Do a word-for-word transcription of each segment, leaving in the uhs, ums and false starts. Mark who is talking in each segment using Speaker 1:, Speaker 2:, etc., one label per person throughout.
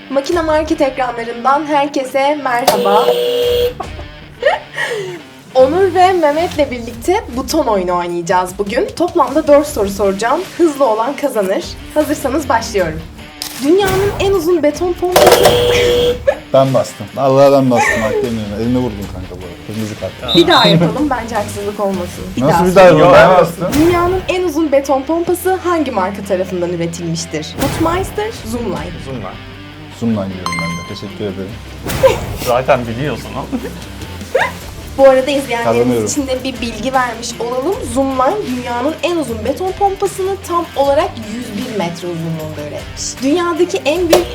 Speaker 1: Makine Market ekranlarından herkese merhaba. Onur ve Mehmet'le birlikte buton oyunu oynayacağız bugün. Toplamda dört soru soracağım. Hızlı olan kazanır. Hazırsanız başlıyorum. Dünyanın en uzun beton pompası...
Speaker 2: Ben bastım. Allah'tan bastım. Hak demiyorum. Elime vurdum kanka bu arada. Kırmızı kart.
Speaker 1: Bir daha yapalım. Bence haksızlık olmasın. Bir
Speaker 2: Nasıl
Speaker 1: daha
Speaker 2: bir daha
Speaker 1: söyleyeyim.
Speaker 2: yapalım? Ben bastım.
Speaker 1: Dünyanın en uzun beton pompası hangi marka tarafından üretilmiştir? Hotmeister, Zoomlight.
Speaker 3: Uzun var.
Speaker 2: Zoom'dan diyorum ben de. Teşekkür ederim.
Speaker 3: Zaten biliyorsun o.
Speaker 1: Bu arada izleyenlerimiz
Speaker 2: Kazanıyorum.
Speaker 1: için de bir bilgi vermiş olalım. Zoomlight dünyanın en uzun beton pompasını tam olarak yüz bir metre uzunluğunda üretmiş. Dünyadaki en büyük...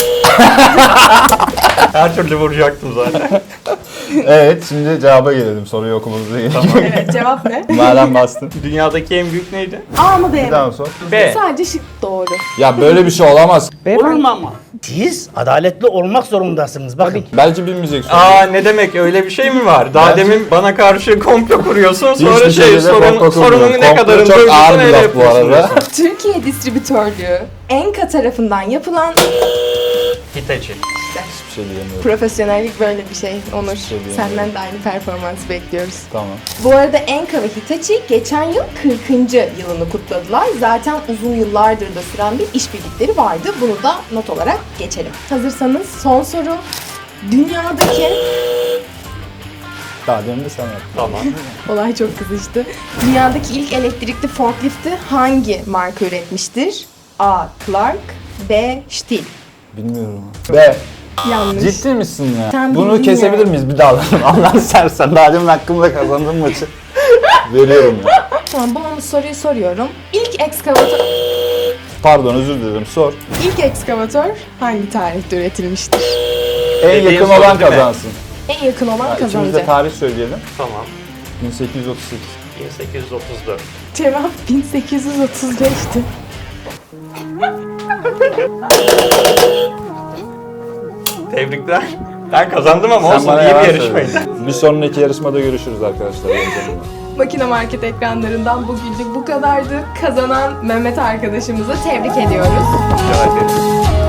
Speaker 3: Her türlü vuracaktım zaten.
Speaker 2: Evet, şimdi cevaba gelelim. Soruyu okumamıza gerek yok.
Speaker 1: Evet, cevap ne?
Speaker 2: Madem bastın.
Speaker 3: Dünyadaki en büyük neydi?
Speaker 1: A mı D
Speaker 2: Bir
Speaker 1: mi?
Speaker 2: daha sor.
Speaker 3: B.
Speaker 1: Sadece şık doğru.
Speaker 2: Ya böyle bir şey olamaz.
Speaker 4: Olur mu ama? Siz adaletli olmak zorundasınız. Bakın.
Speaker 2: Belki bilmeyeceksin.
Speaker 3: Aa ne demek, öyle bir şey mi var? Daha
Speaker 2: Bence-
Speaker 3: demin bana karşı komplo kuruyorsun, sonra
Speaker 2: Hiçbir
Speaker 3: şey
Speaker 2: şeyde
Speaker 3: sorun,
Speaker 2: komplo
Speaker 3: sorunun
Speaker 2: kurmuyorum.
Speaker 3: ne
Speaker 2: Komplo
Speaker 3: kadarını
Speaker 2: çok
Speaker 3: duyduysan
Speaker 2: ağır bir
Speaker 3: öyle
Speaker 2: laf bu arada.
Speaker 3: yapıyorsun.
Speaker 1: Türkiye Distribütörlüğü Enka tarafından yapılan
Speaker 3: Hitachi.
Speaker 2: Hiçbir şey diyemiyorum.
Speaker 1: profesyonellik böyle bir şey. Onur,
Speaker 2: şey diyemiyorum.
Speaker 1: senden de aynı performansı bekliyoruz.
Speaker 2: Tamam.
Speaker 1: Bu arada Enka ve Hitachi geçen yıl kırkıncı yılını kutladılar. Zaten uzun yıllardır da süren bir işbirlikleri vardı. Bunu da not olarak geçelim. Hazırsanız son soru. Dünyadaki...
Speaker 2: Daha demin de sen yaptın.
Speaker 3: Tamam.
Speaker 1: Olay çok kızıştı. Dünyadaki ilk elektrikli forklifti hangi marka üretmiştir? A. Clark, B. Stihl.
Speaker 2: Bilmiyorum. B.
Speaker 1: Yanlış.
Speaker 2: Ciddi misin ya?
Speaker 1: Sen
Speaker 2: Bunu
Speaker 1: bildin
Speaker 2: kesebilir
Speaker 1: ya.
Speaker 2: miyiz bir daha? Allah sersen. Daha demin hakkımda kazandığım maçı veriyorum ya.
Speaker 1: Tamam, bonus soruyu soruyorum. İlk ekskavatör...
Speaker 2: Pardon, özür dilerim. Sor.
Speaker 1: İlk ekskavatör hangi tarihte üretilmiştir?
Speaker 2: En
Speaker 3: Dediğin
Speaker 2: yakın
Speaker 3: soru
Speaker 2: olan
Speaker 3: değil mi?
Speaker 2: kazansın.
Speaker 1: En yakın olan
Speaker 2: Ha, İkimiz de
Speaker 1: kazanacak.
Speaker 2: tarih söyleyelim.
Speaker 3: Tamam.
Speaker 2: bin sekiz yüz otuz sekiz.
Speaker 3: bin sekiz yüz otuz dört.
Speaker 1: Cevap bin sekiz yüz otuz beşti.
Speaker 3: Tebrikler. Ben kazandım ama
Speaker 2: Sen
Speaker 3: olsun,
Speaker 2: bana
Speaker 3: iyi bir
Speaker 2: yalan
Speaker 3: yarışmaydı.
Speaker 2: söyledin. Bir sonraki yarışmada görüşürüz arkadaşlar.
Speaker 1: Makine Market ekranlarından bugünlük bu kadardı. Kazanan Mehmet arkadaşımızı tebrik ediyoruz.
Speaker 3: Rica ederim.